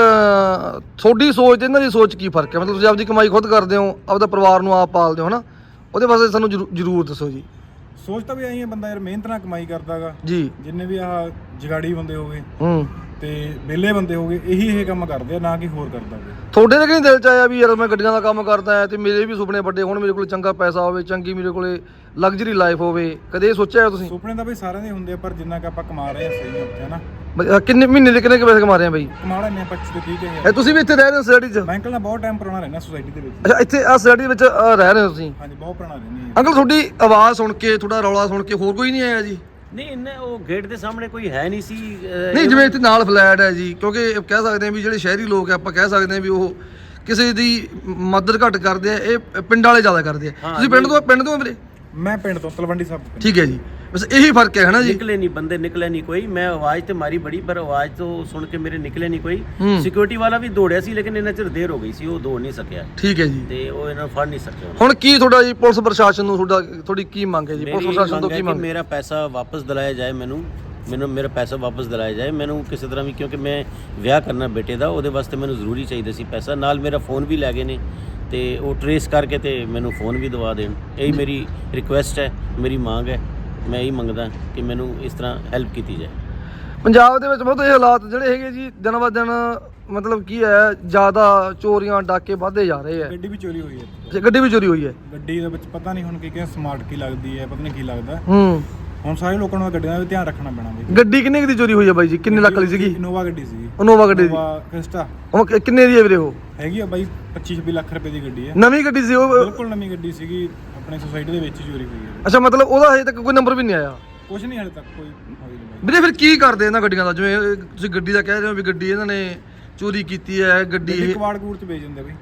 Speaker 2: ਅਹ, ਤੁਹਾਡੀ ਸੋਚ ਤੇ ਇਹਨਾਂ ਦੀ ਸੋਚ ਕੀ ਫਰਕ ਹੈ? ਮਤਲਬ ਤੁਸੀਂ ਆਪਦੀ ਕਮਾਈ ਖੁਦ ਕਰਦੇ ਹੋ, ਆਪਦਾ ਪਰਿਵਾਰ ਨੂੰ ਆਪ ਪਾਲਦੇ ਹੋ ਹਨਾ, ਉਹਦੇ ਵਾਸਤੇ ਸਾਨੂੰ ਜ਼ਰੂ- ਜ਼ਰੂਰ ਦੱਸੋ ਜੀ।
Speaker 3: ਸੋਚ ਤਾਂ ਵੀ ਆਈ ਹੈ, ਬੰਦਾ ਯਾਰ ਮਿਹਨਤ ਨਾਲ ਕਮਾਈ ਕਰਦਾਗਾ
Speaker 2: ਜੀ।
Speaker 3: ਜਿੰਨੇ ਵੀ ਆਹ ਜਗਾੜੀ ਬੰਦੇ ਹੋ ਗਏ
Speaker 2: ਹੂੰ,
Speaker 3: ਤੇ ਵਿਹਲੇ ਬੰਦੇ ਹੋ ਗਏ, ਇਹੀ ਇਹ ਕੰਮ ਕਰਦੇ ਆ, ਨਾ ਕਿ ਹੋਰ ਕਰਦਾ ਕੋਈ।
Speaker 2: ਤੁਹਾਡੇ ਦੇ ਕਿਹਨੇ ਦਿਲ ਚ ਆਇਆ ਵੀ ਯਾਰ ਮੈਂ ਗੱਡੀਆਂ ਦਾ ਕੰਮ ਕਰਦਾ ਹਾਂ ਤੇ ਮੇਰੇ ਵੀ ਸੁਪਨੇ ਵੱਡੇ ਹੋਣ, ਮੇਰੇ ਕੋਲ ਚੰਗਾ ਪੈਸਾ ਹੋਵੇ, ਚੰਗੀ ਮੇਰੇ ਕੋਲੇ ਲਗਜ਼ਰੀ ਲਾਈਫ ਹੋਵੇ, ਕਦੇ ਇਹ ਸੋਚਿਆ ਤੁਸੀਂ?
Speaker 3: ਸੁਪਨੇ ਤਾਂ ਬਈ ਸਾਰਿਆਂ ਦੇ ਹੁੰਦੇ ਆ, ਪਰ ਜਿੰਨਾ ਕਿ ਆਪਾਂ ਕਮਾ ਰਹੇ ਆ ਸਹੀ ਹੈ ਉੱਥੇ, ਹਨਾ।
Speaker 2: ਬ- ਕਿੰਨੇ ਮਹੀਨੇ ਦੇ ਕਿੰਨੇ ਕੁ ਪੈਸੇ ਕਮਾ ਰਹੇ ਆ ਬਾਈ?
Speaker 3: ਕਮਾ ਲੈਂਦੇ ਆ ਪੱਚੀ ਤੋਂ ਤੀਹ ਕੇ
Speaker 2: ਇਹ
Speaker 3: ਹਜ਼ਾਰ।
Speaker 2: ਤੁਸੀਂ ਵੀ ਇੱਥੇ ਰਹਿ ਰਹੇ ਹੋ ਸੋਸਾਇਟੀ 'ਚ?
Speaker 3: ਮੈਂ ਅੰਕਲ ਨਾਲ ਬਹੁਤ ਟਾਈਮ ਪੁਰਾਣਾ ਰਹਿਣਾ ਸੋਸਾਇਟੀ ਦੇ ਵਿੱਚ।
Speaker 2: ਅੱਛਾ, ਇੱਥੇ ਆ ਸੋਸਾਇਟੀ ਵਿੱਚ ਅਹ, ਰਹਿ ਰਹੇ ਹੋ ਤੁਸੀਂ?
Speaker 3: ਹਾਂਜੀ, ਬਹੁਤ ਪੁਰਾਣਾ ਰਹਿੰਦੇ ਆ।
Speaker 2: ਅੰਕਲ ਤੁਹਾਡੀ ਆਵਾਜ਼ ਸੁਣ ਕੇ, ਤੁਹਾਡਾ ਰੌਲਾ ਸੁਣ ਕੇ ਹੋਰ ਕੋਈ ਨਹੀਂ ਆਇਆ ਜੀ?
Speaker 1: ਨਹੀਂ, ਇੰਨਾ ਉਹ ਗੇਟ ਦੇ ਸਾਹਮਣੇ ਕੋਈ ਹੈ ਨਹੀਂ ਸੀ। ਅਹ,
Speaker 2: ਨਹੀਂ, ਜਿਵੇਂ ਇੱਥੇ ਨਾਲ ਫਲੈਟ ਹੈ ਜੀ, ਕਿਉਂਕਿ ਕਹਿ ਸਕਦੇ ਹਾਂ ਵੀ ਜਿਹੜੇ ਸ਼ਹਿਰੀ ਲੋਕ ਆ, ਆਪਾਂ ਕਹਿ ਸਕਦੇ ਹਾਂ ਵੀ ਉਹ ਕਿਸੇ ਦੀ ਮਦਦ ਘੱਟ ਕਰਦੇ ਆ, ਇਹ ਪਿੰਡ ਵਾਲੇ ਜ਼ਿਆਦਾ ਕਰਦੇ ਆ।
Speaker 1: ਹਾਂ,
Speaker 2: ਤੁਸੀਂ ਪਿੰਡ ਤੋਂ ਪਿੰਡ ਤੋਂ ਵੀਰੇ?
Speaker 3: ਮੈਂ ਪਿੰਡ ਤੋਂ ਤਲਵੰਡੀ ਸਾਹਿਬ ਤੋਂ।
Speaker 2: ਠੀਕ ਹੈ ਜੀ, ਬਸ ਇਹੀ ਫਰਕ ਹੈ ਹਨਾ ਜੀ?
Speaker 1: ਨਿਕਲੇ ਨਹੀਂ ਬੰਦੇ, ਨਿਕਲੇ ਨਹੀਂ ਕੋਈ। ਮੈਂ ਆਵਾਜ਼ ਤੇ ਮਾਰੀ ਬੜੀ, ਪਰ ਆਵਾਜ਼ ਤੋਂ ਸੁਣ ਕੇ ਮੇਰੇ ਨਿਕਲੇ ਨਹੀਂ ਕੋਈ।
Speaker 2: ਹੂੰ।
Speaker 1: ਸਿਕਿਉਰਿਟੀ ਵਾਲਾ ਵੀ ਦੌੜਿਆ ਸੀ, ਲੇਕਿਨ ਇਹਨਾਂ ਚਿਰ ਦੇਰ ਹੋ ਗਈ ਸੀ, ਉਹ ਦੌੜ ਨਹੀਂ ਸਕਿਆ
Speaker 2: ਠੀਕ ਹੈ ਜੀ।
Speaker 1: ਤੇ ਉਹ ਇਹਨਾਂ ਨੂੰ ਫੜ ਨਹੀਂ ਸਕਿਆ।
Speaker 2: ਹੁਣ ਕੀ ਤੁਹਾਡਾ ਜੀ ਪੁਲਿਸ ਪ੍ਰਸ਼ਾਸਨ ਨੂੰ ਤੁਹਾਡਾ ਤੁਹਾਡੀ ਕੀ ਮੰਗ ਹੈ ਜੀ?
Speaker 1: ਮੇਰੀ
Speaker 2: ਪੁਲਿਸ ਪ੍ਰਸ਼ਾਸਨ ਤੋਂ
Speaker 1: ਮੰਗ ਹੈ
Speaker 2: ਕੀ
Speaker 1: ਕਿ
Speaker 2: ਮੰਗ?
Speaker 1: ਮੇਰਾ ਪੈਸਾ ਵਾਪਸ ਦਿਲਾਇਆ ਜਾਏ, ਮੈਨੂੰ ਮੈਨੂੰ ਮੇਰਾ ਪੈਸਾ ਵਾਪਸ ਦਿਲਾਇਆ ਜਾਏ ਮੈਨੂੰ ਕਿਸੇ ਤਰ੍ਹਾਂ ਵੀ, ਕਿਉਂਕਿ ਮੈਂ ਵਿਆਹ ਕਰਨਾ ਬੇਟੇ ਦਾ, ਉਹਦੇ ਵਾਸਤੇ ਮੈਨੂੰ ਜ਼ਰੂਰੀ ਚਾਹੀਦਾ ਸੀ ਪੈਸਾ। ਨਾਲ ਮੇਰਾ ਫੋਨ ਵੀ ਲੈ ਗਏ ਨੇ, ਤੇ ਉਹ ਟਰੇਸ ਕਰਕੇ ਤੇ ਮੈਨੂੰ ਫੋਨ ਵੀ ਦਵਾ ਦੇਣ। ਇਹੀ ਮੇਰੀ ਰਿਕੁਐਸਟ ਹੈ, ਮੇਰੀ ਮੰਗ ਹੈ। ਮੈਂ ਇਹੀ ਮੰਗਦਾ ਕਿ ਮੈਨੂੰ ਇਸ ਤਰ੍ਹਾਂ ਹੈਲਪ ਕੀਤੀ ਜਾਏ।
Speaker 2: ਪੰਜਾਬ ਦੇ ਵਿੱਚ ਬਹੁਤ ਇਹ ਹਾਲਾਤ ਜਿਹੜੇ ਹੈਗੇ ਜੀ, ਦਿਨ ਬ ਦਿਨ ਮਤਲਬ ਕੀ ਹੈ, ਜ਼ਿਆਦਾ ਚੋਰੀਆਂ ਡਾਕੇ ਵੱਧਦੇ ਜਾ ਰਹੇ ਆ।
Speaker 3: ਗੱਡੀ ਵੀ ਚੋਰੀ ਹੋਈ ਹੈ ਇੱਥੇ।
Speaker 2: ਜੇ ਗੱਡੀ ਵੀ ਚੋਰੀ ਹੋਈ ਹੈ,
Speaker 3: ਗੱਡੀ ਦੇ ਵਿੱਚ ਪਤਾ ਨਹੀਂ ਹੁਣ ਕੀ ਕੀ ਸਮਾਰਟ ਕੀ ਲੱਗਦੀ ਹੈ, ਪਤਾ ਨਹੀਂ ਕੀ ਲੱਗਦਾ।
Speaker 2: ਹੂੰ,
Speaker 3: ਹੁਣ ਸਾਰੇ ਲੋਕਾਂ ਨੂੰ ਗੱਡੀਆਂ ਦਾ ਵੀ ਧਿਆਨ ਰੱਖਣਾ ਪੈਣਾ ਬਈ।
Speaker 2: ਗੱਡੀ ਕਿੰਨੇ ਕੁ ਦੀ ਚੋਰੀ ਹੋਈ ਹੈ ਬਾਈ ਜੀ? ਕਿੰਨੇ ਲੱਖ ਵਾਲੀ ਸੀਗੀ?
Speaker 3: ਇਨੋਵਾ ਗੱਡੀ ਸੀਗੀ।
Speaker 2: ਇਨੋਵਾ ਗੱਡੀ ਦੀ?
Speaker 3: ਇਨੋਵਾ ਕ੍ਰਿਸਟਾ
Speaker 2: ਉਹ ਕਿ- ਕਿੰਨੇ ਦੀ ਹੈ ਵੀਰੇ ਉਹ?
Speaker 3: ਹੈਗੀ ਆ ਬਾਈ ਪੱਚੀ ਛੱਬੀ ਲੱਖ ਰੁਪਏ ਦੀ ਗੱਡੀ ਹੈ।
Speaker 2: ਨਵੀਂ ਗੱਡੀ ਸੀ ਉਹ?
Speaker 3: ਬਿਲਕੁਲ ਨਵੀਂ ਗੱਡੀ ਸੀਗੀ, ਆਪਣੇ ਸੋਸਾਇਟੀ ਦੇ ਵਿੱਚ ਹੀ ਚੋਰੀ ਹੋਈ ਹੈ।
Speaker 2: ਅੱਛਾ, ਮਤਲਬ ਉਹਦਾ ਹਜੇ ਤੱਕ ਕੋਈ ਨੰਬਰ ਵੀ ਨਹੀਂ ਆਇਆ?
Speaker 3: ਕੁਝ ਨਹੀਂ ਹਾਲੇ ਤੱਕ ਕੋਈ ਹੋਈ ਨਹੀਂ ਬਾਈ।
Speaker 2: ਵੀਰੇ ਫਿਰ ਕੀ ਕਰਦੇ ਇਹਨਾਂ ਗੱਡੀਆਂ ਦਾ? ਜਿਵੇਂ ਇਹ ਤੁਸੀਂ ਗੱਡੀ ਦਾ ਕਹਿ ਰਹੇ ਹੋ ਵੀ ਗੱਡੀ ਇਹਨਾਂ ਨੇ ਚੋਰੀ ਕੀਤੀ ਹੈ, ਗੱਡੀ
Speaker 3: ਗੱਡੀ
Speaker 2: ਇਹ
Speaker 3: ਕਵਾੜ ਕੂੜ ਚ ਵੇਚ ਦਿੰਦੇ ਬਈ।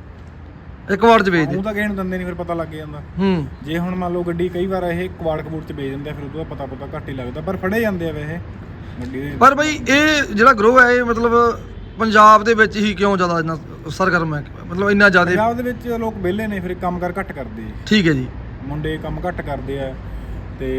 Speaker 2: ਇੱਕ ਵਾਰ ਚ ਵੇਚ ਦੇ?
Speaker 3: ਉਹ ਤਾਂ ਕਿਸੇ ਨੂੰ ਦਿੰਦੇ ਨਹੀਂ, ਫਿਰ ਪਤਾ ਲੱਗ ਜਾਂਦਾ।
Speaker 2: ਹੂੰ।
Speaker 3: ਜੇ ਹੁਣ ਮੰਨ ਲਓ ਗੱਡੀ ਕਈ ਵਾਰ ਇਹ ਕਵਾੜ ਕਬੂੜ ਚ ਵੇਚ ਦਿੰਦੇ ਆ, ਫਿਰ ਉਦੋਂ ਬਾਅਦ ਪਤਾ ਪਤਾ ਘੱਟ ਹੀ ਲੱਗਦਾ, ਪਰ ਫੜੇ ਜਾਂਦੇ ਆ ਵੈਸੇ ਗੱਡੀ ਦੇ।
Speaker 2: ਪਰ ਬਈ ਇਹ ਜਿਹੜਾ ਗਰੋਹ ਹੈ, ਇਹ ਮਤਲਬ ਪੰਜਾਬ ਦੇ ਵਿੱਚ ਹੀ ਕਿਉਂ ਜ਼ਿਆਦਾ ਇੰਨਾ ਸਰਗਰਮ ਹੈ, ਮਤਲਬ ਇੰਨਾ ਜ਼ਿਆਦਾ?
Speaker 3: ਪੰਜਾਬ ਦੇ ਵਿੱਚ ਲੋਕ ਵਿਹਲੇ ਨੇ, ਫਿਰ ਕੰਮ ਕਰ ਘੱਟ ਕਰਦੇ ਆ।
Speaker 2: ਠੀਕ ਹੈ ਜੀ।
Speaker 3: ਮੁੰਡੇ ਕੰਮ ਘੱਟ ਕਰਦੇ ਆ, ਤੇ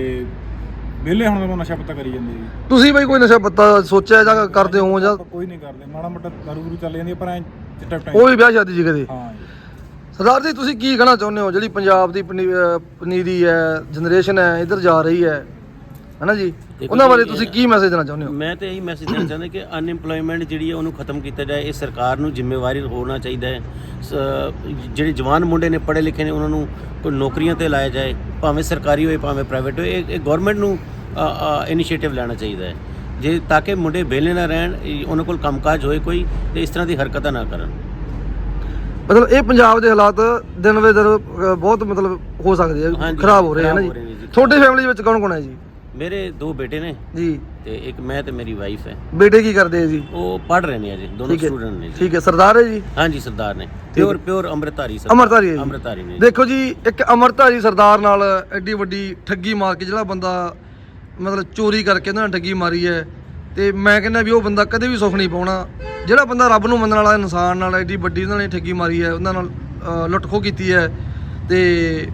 Speaker 3: ਵਿਹਲੇ ਹੁਣ ਤਾਂ ਨਸ਼ਾ ਪੱਤਾ ਕਰੀ ਜਾਂਦੇ ਜੀ।
Speaker 2: ਤੁਸੀਂ ਬਈ ਕੋਈ ਨਸ਼ਾ ਪੱਤਾ ਸੋਚਿਆ ਜਾਂ ਕਰਦੇ ਹੋ ਜਾਂ?
Speaker 3: ਆਪਾਂ ਕੋਈ ਨਹੀਂ ਕਰਦੇ, ਮਾੜਾ ਮੋਟਾ ਦਾਰੂ ਦੂਰੂ ਚੱਲ ਜਾਂਦੀ ਆ, ਪਰ ਐ ਚਿੱਟਾ ਟਾਈਮ।
Speaker 2: ਉਹ ਵੀ ਵਿਆਹ ਸ਼ਾਦੀ ਜੀ ਕਦੇ?
Speaker 3: ਹਾਂ ਜੀ।
Speaker 2: ਸਰਦਾਰ ਜੀ, ਤੁਸੀਂ ਕੀ ਕਹਿਣਾ ਚਾਹੁੰਦੇ ਹੋ? ਜਿਹੜੀ ਪੰਜਾਬ ਦੀ ਪਨੀ- ਅਹ ਪਨੀਰੀ ਹੈ, ਜਨਰੇਸ਼ਨ ਹੈ, ਇੱਧਰ ਜਾ ਰਹੀ ਹੈ ਹਨਾ ਜੀ,
Speaker 1: ਦੇਖੋ
Speaker 2: ਉਹਨਾਂ ਬਾਰੇ
Speaker 1: ਜੀ,
Speaker 2: ਤੁਸੀਂ ਕੀ ਮੈਸੇਜ ਦੇਣਾ ਚਾਹੁੰਦੇ ਹੋ?
Speaker 1: ਮੈਂ ਤਾਂ ਇਹੀ ਮੈਸੇਜ ਦੇਣਾ ਚਾਹੁੰਦਾ ਕਿ ਅਨਇੰਪਲੋਇਮੈਂਟ ਜਿਹੜੀ ਹੈ ਉਹਨੂੰ ਖਤਮ ਕੀਤਾ ਜਾਏ। ਇਹ ਸਰਕਾਰ ਨੂੰ ਜ਼ਿੰਮੇਵਾਰੀ ਹੋਣਾ ਚਾਹੀਦਾ ਹੈ। ਸ- ਜਿਹੜੇ ਜਵਾਨ ਮੁੰਡੇ ਨੇ, ਪੜ੍ਹੇ ਲਿਖੇ ਨੇ, ਉਹਨਾਂ ਨੂੰ ਕੋਈ ਨੌਕਰੀਆਂ ਤੇ ਲਾਇਆ ਜਾਏ, ਭਾਵੇਂ ਸਰਕਾਰੀ ਹੋਏ ਭਾਵੇਂ ਪ੍ਰਾਈਵੇਟ ਹੋਏ। ਇਹ ਇਹ ਗਵਰਨਮੈਂਟ ਨੂੰ ਇਨੀਸ਼ੀਏਟਿਵ ਲੈਣਾ ਚਾਹੀਦਾ ਹੈ, ਜੇ ਤਾਂ ਕਿ ਮੁੰਡੇ ਵਿਹਲੇ ਨਾ ਰਹਿਣ, ਇਹ ਉਹਨਾਂ ਕੋਲ ਕੰਮਕਾਜ ਹੋਏ ਕੋਈ, ਤੇ ਇਸ ਤਰ੍ਹਾਂ ਦੀ ਹਰਕਤਾਂ ਨਾ ਕਰਨ।
Speaker 2: ਮਤਲਬ ਇਹ ਪੰਜਾਬ ਦੇ ਹਾਲਾਤ ਦਿਨ ਵੇ ਦਿਨ ਅਹ, ਬਹੁਤ ਮਤਲਬ ਹੋ ਸਕਦੇ ਆ,
Speaker 1: ਹਾਂਜੀ,
Speaker 2: ਖਰਾਬ ਹੋ ਰਹੇ ਹਨ
Speaker 1: ਖਰਾਬ
Speaker 2: ਜੀ।
Speaker 1: ਹੋ ਰਹੇ ਨੇ ਜੀ।
Speaker 2: ਤੁਹਾਡੇ ਫੈਮਿਲੀ ਵਿੱਚ ਕੌਣ ਕੌਣ ਹੈ ਜੀ?
Speaker 1: ਮੇਰੇ ਦੋ ਬੇਟੇ ਨੇ,
Speaker 2: ਜੀ।
Speaker 1: ਤੇ ਇੱਕ ਮੈਂ ਤੇ ਮੇਰੀ ਵਾਈਫ ਹੈ।
Speaker 2: ਬੇਟੇ ਕੀ ਕਰਦੇ ਆ ਜੀ?
Speaker 1: ਉਹ ਪੜ੍ਹ ਰਹੇ ਨੇ ਅਜੇ, ਦੋਨੋਂ
Speaker 2: ਠੀਕ ਹੈ,
Speaker 1: ਸਟੂਡੈਂਟ ਨੇ ਜੀ।
Speaker 2: ਠੀਕ ਹੈ। ਸਰਦਾਰ ਹੈ ਜੀ?
Speaker 1: ਹਾਂਜੀ, ਸਰਦਾਰ ਨੇ, ਪਿਓਰ ਪਿਓਰ ਅੰਮ੍ਰਿਤਧਾਰੀ ਸਰਦਾਰ।
Speaker 2: ਅੰਮ੍ਰਿਤਧਾਰੀ ਹੈ ਜੀ?
Speaker 1: ਅੰਮ੍ਰਿਤਧਾਰੀ ਨੇ।
Speaker 2: ਦੇਖੋ ਜੀ, ਇੱਕ ਅੰਮ੍ਰਿਤਧਾਰੀ ਸਰਦਾਰ ਨਾਲ ਐਡੀ ਵੱਡੀ ਠੱਗੀ ਮਾਰ ਕੇ ਜਿਹੜਾ ਬੰਦਾ ਮਤਲਬ ਚੋਰੀ ਕਰਕੇ ਉਹਨਾਂ ਨੇ ਠੱਗੀ ਮਾਰੀ ਹੈ, ਤੇ ਮੈਂ ਕਹਿੰਦਾ ਵੀ ਉਹ ਬੰਦਾ ਕਦੇ ਵੀ ਸੁੱਖ ਨਹੀਂ ਪਾਉਣਾ। ਜਿਹੜਾ ਬੰਦਾ ਰੱਬ ਨੂੰ ਮੰਨਣ ਵਾਲਾ ਇਨਸਾਨ ਨਾਲ ਐਡੀ ਵੱਡੀ ਉਹਨਾਂ ਨੇ ਠੱਗੀ ਮਾਰੀ ਹੈ, ਉਹਨਾਂ ਨਾਲ ਅਹ, ਲੁੱਟ ਖੋਹ ਕੀਤੀ ਹੈ, ਤੇ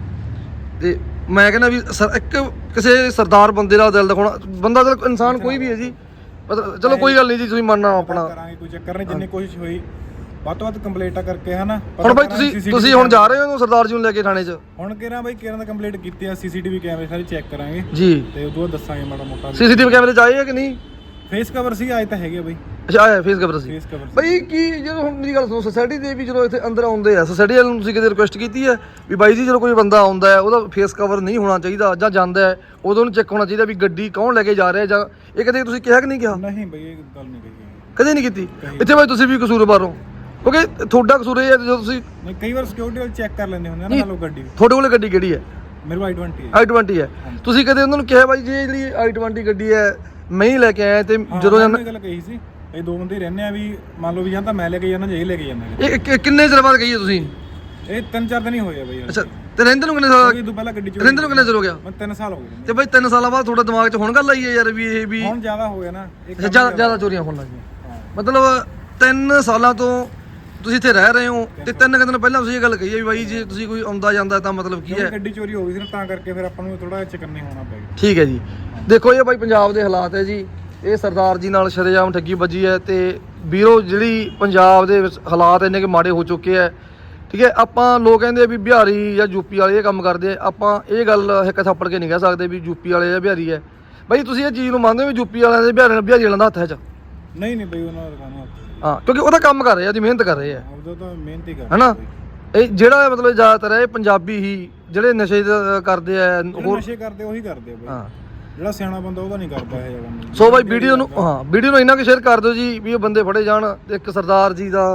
Speaker 2: ਤੇ ਮੈਂ ਕਹਿੰਦਾ ਵੀ ਸਰ ਇੱਕ ਕਿਸੇ ਸਰਦਾਰ ਬੰਦੇ ਦਾ ਦਿਲ ਦਿਖਾਉਣਾ, ਬੰਦਾ ਚਲ ਇਨਸਾਨ ਕੋਈ ਵੀ ਹੈ ਜੀ, ਮਤਲਬ ਚਲੋ ਕੋਈ ਗੱਲ ਨਹੀਂ ਜੀ, ਤੁਸੀਂ ਮੰਨਣਾ ਆਪਣਾ।
Speaker 3: ਕਰਾਂਗੇ, ਕੋਈ ਚੱਕਰ ਨਹੀਂ, ਜਿੰਨੀ ਕੋਸ਼ਿਸ਼ ਹੋਈ ਵੱਧ ਤੋਂ ਵੱਧ ਕੰਪਲੀਟਾਂ ਕਰਕੇ, ਹਨਾ।
Speaker 2: ਹੁਣ ਬਾਈ ਤੁਸੀਂ ਤੁਸੀਂ ਹੁਣ ਜਾ ਰਹੇ ਹੋ ਸਰਦਾਰ ਜੀ ਨੂੰ ਲੈ ਕੇ ਥਾਣੇ 'ਚ?
Speaker 3: ਹੁਣ ਕਿਹੜਾ ਬਾਈ ਕਿਹੜਾ ਦਾ ਕੰਪਲੀਟ ਕੀਤੀ ਆ, ਸੀਸੀਟੀਵੀ ਕੈਮਰੇ ਸਾਰੇ ਚੈੱਕ ਕਰਾਂਗੇ
Speaker 2: ਜੀ,
Speaker 3: ਤੇ ਉਦੋਂ ਬਾਅਦ ਦੱਸਾਂਗੇ ਮਾੜਾ ਮੋਟਾ।
Speaker 2: ਸੀਸੀਟੀਵੀ ਕੈਮਰੇ 'ਚ ਆਏ ਹੈ ਕਿ ਨਹੀਂ?
Speaker 3: ਫੇਸ ਕਵਰ ਸੀ ਆਏ ਤਾਂ ਹੈਗੇ ਬਾਈ।
Speaker 2: ਅੱਛਾ ਆਇਆ ਫੇਸ ਕਵਰ ਸੀ
Speaker 3: ਫੇਸ ਕਵਰ
Speaker 2: ਬਾਈ ਕੀ ਜਦੋਂ ਹੁਣ ਮੇਰੀ ਗੱਲ ਸੁਣੋ ਸੋਸਾਇਟੀ ਦੇ ਵੀ ਜਦੋਂ ਇੱਥੇ ਅੰਦਰ ਆਉਂਦੇ ਆ ਸੋਸਾਇਟੀ ਵਾਲਿਆਂ ਨੂੰ ਤੁਸੀਂ ਕਦੇ ਰਿਕੁਐਸਟ ਕੀਤੀ ਹੈ ਵੀ ਬਾਈ ਜੀ ਜਦੋਂ ਕੋਈ ਬੰਦਾ ਆਉਂਦਾ ਹੈ ਉਹਦਾ ਫੇਸ ਕਵਰ ਨਹੀਂ ਹੋਣਾ ਚਾਹੀਦਾ ਜਾਂ ਜਾਂਦਾ ਹੈ ਉਦੋਂ ਉਹਨੂੰ ਚੈੱਕ ਹੋਣਾ ਚਾਹੀਦਾ ਵੀ ਗੱਡੀ ਕੌਣ ਲੈ ਕੇ ਜਾ ਰਿਹਾ ਜਾਂ ਇਹ ਕਦੇ ਤੁਸੀਂ ਕਿਹਾ ਕਿ ਨਹੀਂ ਕਿਹਾ
Speaker 3: ਨਹੀਂ ਬਈ ਇਹ ਗੱਲ ਨਹੀਂ ਕਹੀ
Speaker 2: ਕਦੇ ਨਹੀਂ ਕੀਤੀ ਇੱਥੇ ਬਾਈ ਤੁਸੀਂ ਵੀ ਕਸੂਰਵਾਰ ਹੋ ਕਿਉਂਕਿ ਤੁਹਾਡਾ ਕਸੂਰ ਇਹ ਹੈ ਜਦੋਂ ਤੁਸੀਂ
Speaker 3: ਨਹੀਂ ਕਈ ਵਾਰ ਸਿਕਿਉਰਿਟੀ ਵਾਲੇ ਚੈੱਕ ਕਰ ਲੈਂਦੇ ਹੁੰਦੇ ਆ ਨਾ ਲੋ ਗੱਡੀ
Speaker 2: ਤੁਹਾਡੇ ਕੋਲ ਗੱਡੀ ਕਿਹੜੀ ਹੈ
Speaker 3: ਮੇਰੇ ਕੋਲ ਆਈ ਟਵੰਟੀ ਹੈ
Speaker 2: ਆਈ ਟਵੰਟੀ ਹੈ ਤੁਸੀਂ ਕਦੇ ਉਹਨਾਂ ਨੂੰ ਕਿਹਾ ਬਾਈ ਜੀ ਇਹ ਜਿਹੜੀ ਆਈ ਟਵੰਟੀ ਗੱਡੀ ਹੈ ਮੈਂ ਹੀ ਲੈ ਕੇ ਆਇਆ ਤੇ ਜਦੋਂ
Speaker 3: ਇਹ ਗੱਲ ਕਹੀ ਸੀ ਇਹ ਦੋ ਬੰਦੇ ਰਹਿੰਦੇ ਆ ਵੀ ਮੰਨ ਲਓ ਵੀ ਜਾਂ ਤਾਂ ਮੈਂ ਲੈ ਕੇ ਜਾਣਾ ਜਾਂ ਇਹ ਲੈ ਕੇ ਜਾਂਦਾ
Speaker 2: ਇਹ ਕਿ- ਕਿੰਨੇ ਚਿਰ ਬਾਅਦ ਗਈ ਹੈ ਤੁਸੀਂ
Speaker 3: ਇਹ ਤਿੰਨ ਚਾਰ ਦਿਨ ਹੀ ਹੋਏ ਆ ਬਈ
Speaker 2: ਅੱਛਾ ਤੇ ਰਹਿੰਦੇ ਨੂੰ ਕਿੰਨੇ ਸਾਲ
Speaker 3: ਇਹ ਤੋਂ ਪਹਿਲਾਂ ਗੱਡੀ ਚ
Speaker 2: ਰਹਿੰਦੇ ਨੂੰ ਕਿੰਨੇ ਚਿਰ ਹੋ ਗਿਆ
Speaker 3: ਮੈਂ ਤਿੰਨ ਸਾਲ ਹੋ ਗਏ
Speaker 2: ਤੇ ਬਾਈ ਤਿੰਨ ਸਾਲਾਂ ਬਾਅਦ ਤੁਹਾਡੇ ਦਿਮਾਗ 'ਚ ਹੁਣ ਗੱਲ ਆਈ ਹੈ ਯਾਰ ਵੀ ਇਹ ਵੀ
Speaker 3: ਹੁਣ ਜ਼ਿਆਦਾ ਹੋ ਗਿਆ ਨਾ ਇਹ
Speaker 2: ਅੱਛਾ ਜ਼ਿਆਦਾ ਜ਼ਿਆਦਾ ਚੋਰੀਆਂ ਹੋਣ ਲੱਗੀਆਂ ਮਤਲਬ ਤਿੰਨ ਸਾਲਾਂ ਤੋਂ ਤੁਸੀਂ ਇੱਥੇ ਰਹਿ ਰਹੇ ਹੋ ਤੇ ਤਿੰਨ ਕੁ ਦਿਨ ਪਹਿਲਾਂ ਤੁਸੀਂ ਇਹ ਗੱਲ ਕਹੀ ਹੈ ਵੀ ਬਾਈ ਜੇ ਤੁਸੀਂ ਕੋਈ ਆਉਂਦਾ ਜਾਂਦਾ ਤਾਂ ਮਤਲਬ ਕੀ ਹੈ
Speaker 3: ਗੱਡੀ ਚੋਰੀ ਹੋ ਗਈ ਸੀ ਨਾ ਤਾਂ ਕਰਕੇ ਫਿਰ ਆਪਾਂ ਨੂੰ ਥੋੜਾ ਚਕੰਨੇ ਹੋਣਾ ਪੈ ਗਿਆ
Speaker 2: ਠੀਕ ਹੈ ਜੀ ਦੇਖੋ ਇਹ ਬਾਈ ਪੰਜਾਬ ਦੇ ਹਾਲਾਤ ਹੈ ਜੀ ਇਹ ਸਰਦਾਰ ਜੀ ਨਾਲ ਸ਼ਰੇਆਮ ਠੱਗੀ ਵੱਜੀ ਹੈ ਤੇ ਵੀਰੋ ਜਿਹੜੀ ਪੰਜਾਬ ਦੇ ਵਿੱਚ ਹਾਲਾਤ ਇੰਨੇ ਕਿ ਮਾੜੇ ਹੋ ਚੁੱਕੇ ਹੈ ਠੀਕ ਹੈ ਆਪਾਂ ਲੋਕ ਕਹਿੰਦੇ ਆ ਵੀ ਬਿਹਾਰੀ ਜਾਂ ਯੂਪੀ ਵਾਲੇ ਇਹ ਕੰਮ ਕਰਦੇ ਆ ਆਪਾਂ ਇਹ ਗੱਲ ਇੱਕ ਥੱਪੜ ਕੇ ਨਹੀਂ ਕਹਿ ਸਕਦੇ ਵੀ ਯੂਪੀ ਵਾਲੇ ਜਾਂ ਬਿਹਾਰੀ ਹੈ ਬਾਈ ਤੁਸੀਂ ਇਹ ਚੀਜ਼ ਨੂੰ ਮੰਨਦੇ ਹੋ ਵੀ ਯੂਪੀ ਵਾਲਿਆਂ ਦੇ ਬਿਹਾਰੀ ਬਿਹਾਰੀ ਵਾਲਿਆਂ ਦਾ ਹੱਥ ਹੈ ਚ
Speaker 3: ਨਹੀਂ ਨਹੀਂ ਬਈ ਉਹਨਾਂ ਦਾ ਕਾਹਨੂੰ ਹੱਥ
Speaker 2: ਹਾਂ ਕਿਉਂਕਿ ਉਹਦਾ ਕੰਮ ਕਰ ਰਹੇ ਆ ਉਹਦੀ ਮਿਹਨਤ ਕਰ ਰਹੇ ਆ
Speaker 3: ਉਹਦਾ ਤਾਂ ਮਿਹਨਤ ਹੀ ਕਰ
Speaker 2: ਹੈਨਾ ਇਹ ਜਿਹੜਾ ਮਤਲਬ ਜ਼ਿਆਦਾਤਰ ਇਹ ਪੰਜਾਬੀ ਹੀ ਜਿਹੜੇ ਨਸ਼ੇ ਦਾ ਕਰਦੇ ਆ
Speaker 3: ਹੋਰ ਨਸ਼ੇ ਕਰਦੇ ਉਹੀ ਕਰਦੇ ਆ ਬਈ
Speaker 2: ਹਾਂ
Speaker 3: ਜਿਹੜਾ ਸਿਆਣਾ ਬੰਦਾ ਉਹਦਾ ਨਹੀਂ ਕਰਦਾ ਇਹ ਕੰਮ
Speaker 2: ਸੋ ਬਾਈ ਵੀਡੀਓ ਨੂੰ ਹਾਂ ਵੀਡੀਓ ਨੂੰ ਇੰਨਾ ਕਿ ਸ਼ੇਅਰ ਕਰ ਦਿਓ ਜੀ ਵੀ ਇਹ ਬੰਦੇ ਫੜੇ ਜਾਣ ਤੇ ਇੱਕ ਸਰਦਾਰ ਜੀ ਦਾ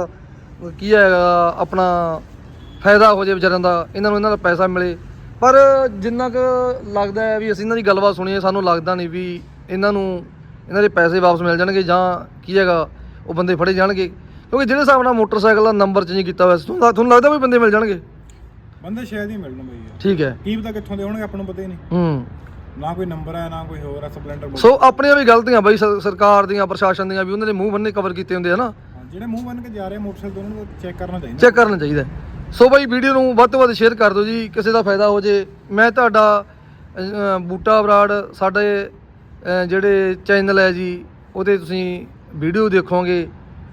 Speaker 2: ਕੀ ਹੈਗਾ ਆਪਣਾ ਫਾਇਦਾ ਹੋ ਜੇ ਵਿਚਾਰਿਆਂ ਦਾ ਇਹਨਾਂ ਨੂੰ ਇਹਨਾਂ ਦਾ ਪੈਸਾ ਮਿਲੇ ਪਰ ਜਿੰਨਾ ਕੁ ਲੱਗਦਾ ਹੈ ਵੀ ਅਸੀਂ ਇਹਨਾਂ ਦੀ ਗੱਲਬਾਤ ਸੁਣੀਏ ਸਾਨੂੰ ਲੱਗਦਾ ਨਹੀਂ ਵੀ ਇਹਨਾਂ ਨੂੰ ਇਹਨਾਂ ਦੇ ਪੈਸੇ ਵਾਪਸ ਮਿਲ ਜਾਣਗੇ ਜਾਂ ਕੀ ਹੈਗਾ ਉਹ ਬੰਦੇ ਫੜੇ ਜਾਣਗੇ ਕਿਉਂਕਿ ਜਿਹੜੇ ਹਿਸਾਬ ਨਾਲ ਮੋਟਰਸਾਈਕਲ ਦਾ ਨੰਬਰ ਚੇਂਜ ਕੀਤਾ ਹੋਇਆ ਸੀ ਤੁਹਾਨੂੰ ਤੁਹਾਨੂੰ ਲੱਗਦਾ ਵੀ ਬੰਦੇ ਮਿਲ ਜਾਣਗੇ
Speaker 3: ਬੰਦੇ ਸ਼ਾਇਦ ਹੀ ਮਿਲਣ ਬਈ
Speaker 2: ਠੀਕ ਹੈ
Speaker 3: ਕੀ ਪਤਾ ਕਿੱਥੋਂ ਦੇ ਹੋਣਗੇ ਆਪਾਂ ਨੂੰ ਪਤਾ ਹੀ ਨਹੀਂ
Speaker 2: ਹੂੰ
Speaker 3: ਨਾ ਕੋਈ ਨੰਬਰ ਹੈ ਨਾ ਕੋਈ ਹੋਰ ਹੈ ਸਪਲੈਂਡਰ
Speaker 2: ਸੋ ਆਪਣੀਆਂ ਵੀ ਗਲਤੀਆਂ ਬਾਈ ਸ- ਸਰਕਾਰ ਦੀਆਂ ਪ੍ਰਸ਼ਾਸਨ ਦੀਆਂ ਵੀ ਉਹਨਾਂ ਦੇ ਮੂੰਹ ਬੰਨੇ ਕਵਰ ਕੀਤੇ ਹੁੰਦੇ ਆ ਨਾ
Speaker 3: ਜਿਹੜੇ ਮੂੰਹ ਬੰਨ ਕੇ ਜਾ ਰਹੇ ਮੋਟਰਸਾਈਕਲ ਉਹਨਾਂ ਨੂੰ ਚੈੱਕ ਕਰਨਾ ਚਾਹੀਦਾ
Speaker 2: ਚੈੱਕ ਕਰਨਾ ਚਾਹੀਦਾ ਸੋ ਬਾਈ ਵੀਡੀਓ ਨੂੰ ਵੱਧ ਤੋਂ ਵੱਧ ਸ਼ੇਅਰ ਕਰ ਦਿਓ ਜੀ ਕਿਸੇ ਦਾ ਫਾਇਦਾ ਹੋ ਜੇ ਮੈਂ ਤੁਹਾਡਾ ਅ, ਬੂਟਾ ਬਰਾੜ ਸਾਡੇ ਅ, ਜਿਹੜੇ ਚੈਨਲ ਹੈ ਜੀ ਉਹਦੇ ਤੁਸੀਂ ਵੀਡੀਓ ਦੇਖੋਗੇ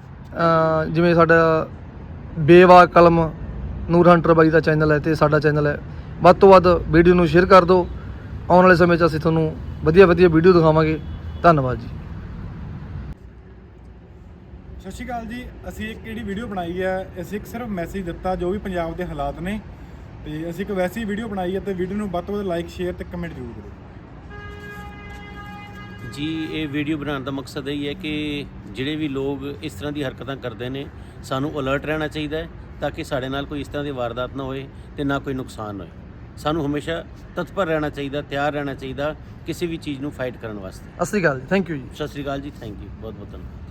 Speaker 2: ਅ, ਜਿਵੇਂ ਸਾਡਾ ਬੇਵਾ ਕਲਮ ਨੂਰ ਹੰਟਰ ਬਾਈ ਦਾ ਚੈਨਲ ਹੈ ਤੇ ਸਾਡਾ ਚੈਨਲ ਹੈ ਵੱਧ ਤੋਂ ਵੱਧ ਵੀਡੀਓ ਨੂੰ ਸ਼ੇਅਰ ਕਰ ਦਿਓ ਆਉਣ ਵਾਲੇ ਸਮੇਂ 'ਚ ਅਸੀਂ ਤੁਹਾਨੂੰ ਵਧੀਆ ਵਧੀਆ ਵੀਡੀਓ ਦਿਖਾਵਾਂਗੇ ਧੰਨਵਾਦ ਜੀ
Speaker 3: ਸਤਿ ਸ਼੍ਰੀ ਅਕਾਲ ਜੀ ਅਸੀਂ ਇੱਕ ਕਿਹੜੀ ਵੀਡੀਓ ਬਣਾਈ ਹੈ ਅਸੀਂ ਇੱਕ ਸਿਰਫ ਮੈਸੇਜ ਦਿੱਤਾ ਜੋ ਵੀ ਪੰਜਾਬ ਦੇ ਹਾਲਾਤ ਨੇ ਤੇ ਅਸੀਂ ਇੱਕ ਵੈਸੀ ਵੀਡੀਓ ਬਣਾਈ ਹੈ ਤੇ ਵੀਡੀਓ ਨੂੰ ਵੱਧ ਤੋਂ ਵੱਧ ਲਾਈਕ ਸ਼ੇਅਰ ਤੇ ਕਮੈਂਟ ਜ਼ਰੂਰ ਕਰੋ
Speaker 1: ਜੀ ਇਹ ਵੀਡੀਓ ਬਣਾਉਣ ਦਾ ਮਕਸਦ ਇਹ ਹੈ ਕਿ ਜਿਹੜੇ ਵੀ ਲੋਕ ਇਸ ਤਰ੍ਹਾਂ ਦੀ ਹਰਕਤਾਂ ਕਰਦੇ ਨੇ ਸਾਨੂੰ ਅਲਰਟ ਰਹਿਣਾ ਚਾਹੀਦਾ ਹੈ ਤਾਂ ਕਿ ਸਾਡੇ ਨਾਲ ਕੋਈ ਇਸ ਤਰ੍ਹਾਂ ਦੀ ਵਾਰਦਾਤ ਨਾ ਹੋਏ ਤੇ ਨਾ ਕੋਈ ਨੁਕਸਾਨ ਹੋਏ ਸਾਨੂੰ ਹਮੇਸ਼ਾ ਤਤਪਰ ਰਹਿਣਾ ਚਾਹੀਦਾ ਤਿਆਰ ਰਹਿਣਾ ਚਾਹੀਦਾ ਕਿਸੇ ਵੀ ਚੀਜ਼ ਨੂੰ ਫਾਈਟ ਕਰਨ ਵਾਸਤੇ
Speaker 2: ਸਤਿ ਸ਼੍ਰੀ ਅਕਾਲ ਜੀ ਥੈਂਕ ਯੂ ਜੀ
Speaker 1: ਸਤਿ ਸ਼੍ਰੀ ਅਕਾਲ ਜੀ ਥੈਂਕ ਯੂ ਬਹੁਤ ਬਹੁਤ ਧੰਨਵਾਦ